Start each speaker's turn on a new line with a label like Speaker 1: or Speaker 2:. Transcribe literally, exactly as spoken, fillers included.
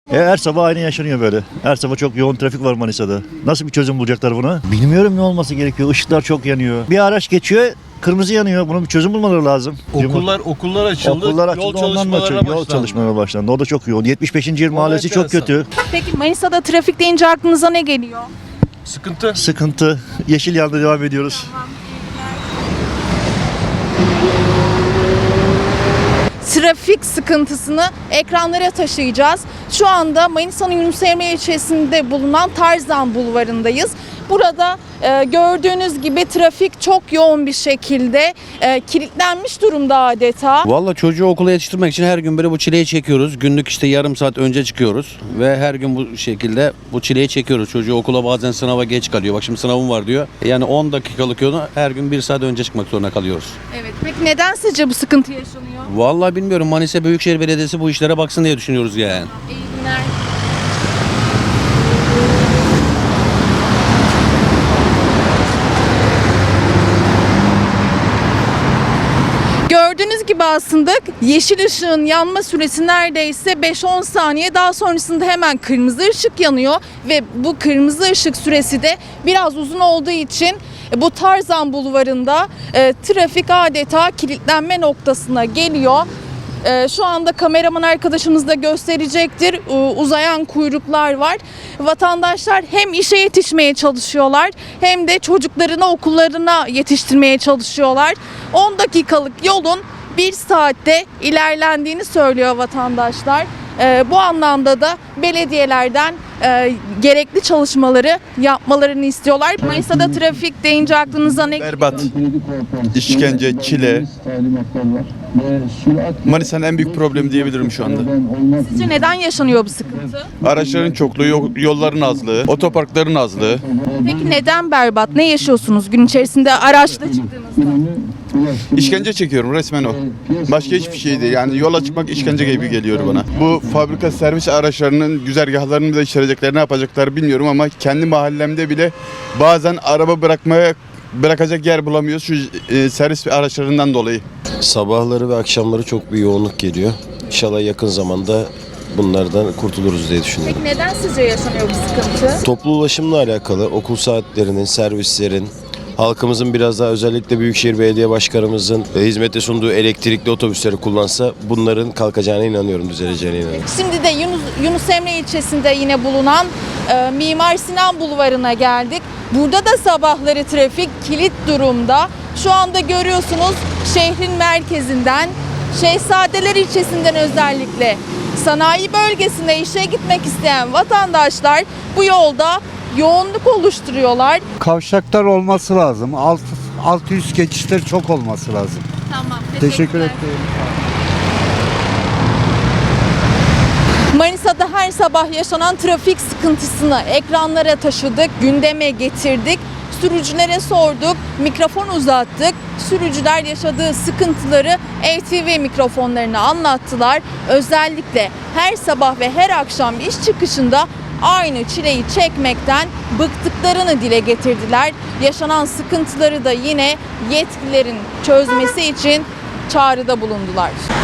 Speaker 1: E, her sabah aynı yaşanıyor böyle. Her sabah çok yoğun trafik var Manisa'da. Nasıl bir çözüm bulacaklar buna? Bilmiyorum ne olması gerekiyor. Işıklar çok yanıyor. Bir araç geçiyor, kırmızı yanıyor. Bunun bir çözüm bulmaları lazım.
Speaker 2: Okullar okullar açıldı.
Speaker 1: Okullar açıldı,
Speaker 2: yol
Speaker 1: ondan da
Speaker 2: çalışmalarına
Speaker 1: açıldı. Yol
Speaker 2: başlandı.
Speaker 1: çalışmalarına başlandı. O da çok yoğun. yetmiş beşinci yıl mahallesi çok
Speaker 2: enteresan.
Speaker 1: kötü.
Speaker 3: Peki Manisa'da trafik deyince aklınıza ne geliyor?
Speaker 2: Sıkıntı.
Speaker 1: Sıkıntı. Yeşil yanda devam ediyoruz.
Speaker 3: Trafik sıkıntısını ekranlara taşıyacağız. Şu anda Manisa'nın Yunus Emre ilçesinde bulunan Tarzan Bulvarı'ndayız. Burada e, gördüğünüz gibi trafik çok yoğun bir şekilde e, kilitlenmiş durumda adeta.
Speaker 4: Valla çocuğu okula yetiştirmek için her gün böyle bu çileyi çekiyoruz. Günlük işte yarım saat önce çıkıyoruz ve her gün bu şekilde bu çileyi çekiyoruz. Çocuğu okula bazen sınava geç kalıyor. Bak şimdi sınavım var diyor. Yani on dakikalık yolu her gün bir saat önce çıkmak zorunda kalıyoruz.
Speaker 3: Evet. Peki neden sizce bu sıkıntı yaşanıyor?
Speaker 4: Vallahi bilmiyorum, Manisa Büyükşehir Belediyesi bu işlere baksın diye düşünüyoruz yani.
Speaker 3: İyi günler. Gördüğünüz gibi aslında yeşil ışığın yanma süresi neredeyse beş on saniye. Daha sonrasında hemen kırmızı ışık yanıyor ve bu kırmızı ışık süresi de biraz uzun olduğu için bu Tarzan Bulvarı'nda e, trafik adeta kilitlenme noktasına geliyor. E, şu anda kameraman arkadaşımız da gösterecektir. E, uzayan kuyruklar var. Vatandaşlar hem işe yetişmeye çalışıyorlar hem de çocuklarını okullarına yetiştirmeye çalışıyorlar. on dakikalık yolun bir saatte ilerlendiğini söylüyor vatandaşlar. E, bu anlamda da belediyelerden e, gerekli çalışmaları yapmalarını istiyorlar. Manisa'da trafik deyince aklınıza ne geliyor?
Speaker 5: Berbat, işkence, çile. Manisa'nın en büyük problemi diyebilirim şu anda.
Speaker 3: Sizce neden yaşanıyor bu sıkıntı?
Speaker 5: Araçların çokluğu, yol- yolların azlığı, otoparkların azlığı.
Speaker 3: Peki neden berbat? Ne yaşıyorsunuz gün içerisinde araçla çıktığınızda?
Speaker 5: İşkence çekiyorum, resmen o. Başka hiçbir şey değil. Yani yola çıkmak işkence gibi geliyor bana. Bu fabrika servis araçlarının güzergahlarını da içerecekler, ne yapacaklar bilmiyorum ama kendi mahallemde bile bazen araba bırakmaya bırakacak yer bulamıyoruz şu e, servis araçlarından dolayı.
Speaker 6: Sabahları ve akşamları çok bir yoğunluk geliyor. İnşallah yakın zamanda bunlardan kurtuluruz diye düşünüyorum.
Speaker 3: Peki neden sizce yaşanıyor bu sıkıntı?
Speaker 6: Toplu ulaşımla alakalı okul saatlerinin, servislerin, halkımızın biraz daha özellikle Büyükşehir Belediye Başkanımızın hizmete sunduğu elektrikli otobüsleri kullansa bunların kalkacağına inanıyorum, düzeleceğine inanıyorum.
Speaker 3: Şimdi de Yunus, Yunus Emre ilçesinde yine bulunan e, Mimar Sinan Bulvarı'na geldik. Burada da sabahları trafik kilit durumda. Şu anda görüyorsunuz şehrin merkezinden, Şehzadeler ilçesinden özellikle sanayi bölgesine işe gitmek isteyen vatandaşlar bu yolda yoğunluk oluşturuyorlar.
Speaker 7: Kavşaklar olması lazım. Alt, altı yüz geçişler çok olması lazım.
Speaker 3: Tamam,
Speaker 7: Teşekkür ederim.
Speaker 3: Manisa'da her sabah yaşanan trafik sıkıntısını ekranlara taşıdık, gündeme getirdik. Sürücülere sorduk, mikrofon uzattık. Sürücüler yaşadığı sıkıntıları A T V mikrofonlarına anlattılar. Özellikle her sabah ve her akşam iş çıkışında aynı çileyi çekmekten bıktıklarını dile getirdiler. Yaşanan sıkıntıları da yine yetkililerin çözmesi için çağrıda bulundular.